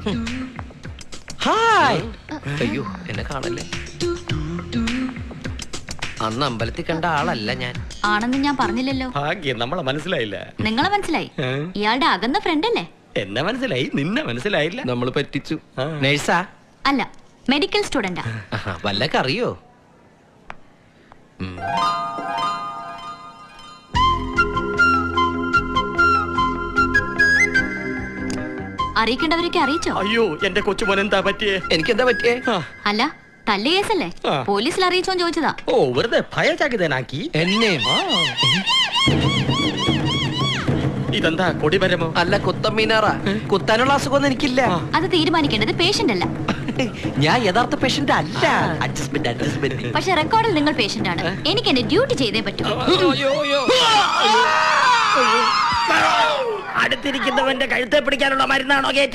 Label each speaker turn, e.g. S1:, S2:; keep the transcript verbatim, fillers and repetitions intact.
S1: Hi. അയ്യോ എന്നെ കാണല്ലേ. അന്ന് അമ്പലത്തിൽ കണ്ട ആളല്ല ഞാൻ.
S2: ആണെന്ന് ഞാൻ പറഞ്ഞില്ലല്ലോ.
S3: ഭാഗ്യം നമ്മളെ മനസ്സിലായില്ല.
S2: നിങ്ങളെ മനസ്സിലായി. ഇയാളുടെ അകന്ന ഫ്രണ്ട് അല്ലേ?
S3: എന്നെ മനസ്സിലായി, നിന്നെ മനസ്സിലായില്ല.
S1: നമ്മൾ പറ്റിച്ചു. നേഴ്സാ?
S2: അല്ല, മെഡിക്കൽ സ്റ്റുഡന്റാ.
S1: വല്ലൊക്കെ അറിയോ?
S2: അറിയിക്കേണ്ടവരൊക്കെ അറിയിച്ചോ?
S3: അയ്യോ എന്റെ കൊച്ചുമോൻ എന്താ പറ്റിയേ?
S1: എനിക്കെന്താ പറ്റിയേ?
S2: അല്ല, തല്ല് കേസല്ലേ? പോലീസിൽ അറിയിച്ചോന്ന് ചോദിച്ചതാ.
S3: ഓ വെറുതെ ഭയചകിതനാക്കി
S1: എന്നെ.
S3: ഇതെന്താ കൊടിമരമോ?
S1: അല്ല, കുത്തമ്മീനാറാ. കുത്താനുള്ള അസുഖമൊന്നും എനിക്കില്ല.
S2: അത് തീരുമാനിക്കേണ്ടത് പേഷ്യന്റ് അല്ല.
S1: ഞാൻ യഥാർത്ഥ പേഷ്യന്റ് അല്ല. Adjustment adjustment.
S2: പക്ഷെ റെക്കോർഡിൽ നിങ്ങൾ പേഷ്യന്റ് ആണ്. എനിക്ക് എന്റെ ഡ്യൂട്ടി ചെയ്തേ പറ്റൂ.
S3: അടുത്തിരിക്കുന്നവന്റെ കഴുത്തെ പിടിക്കാനുള്ള മരുന്നാണോ?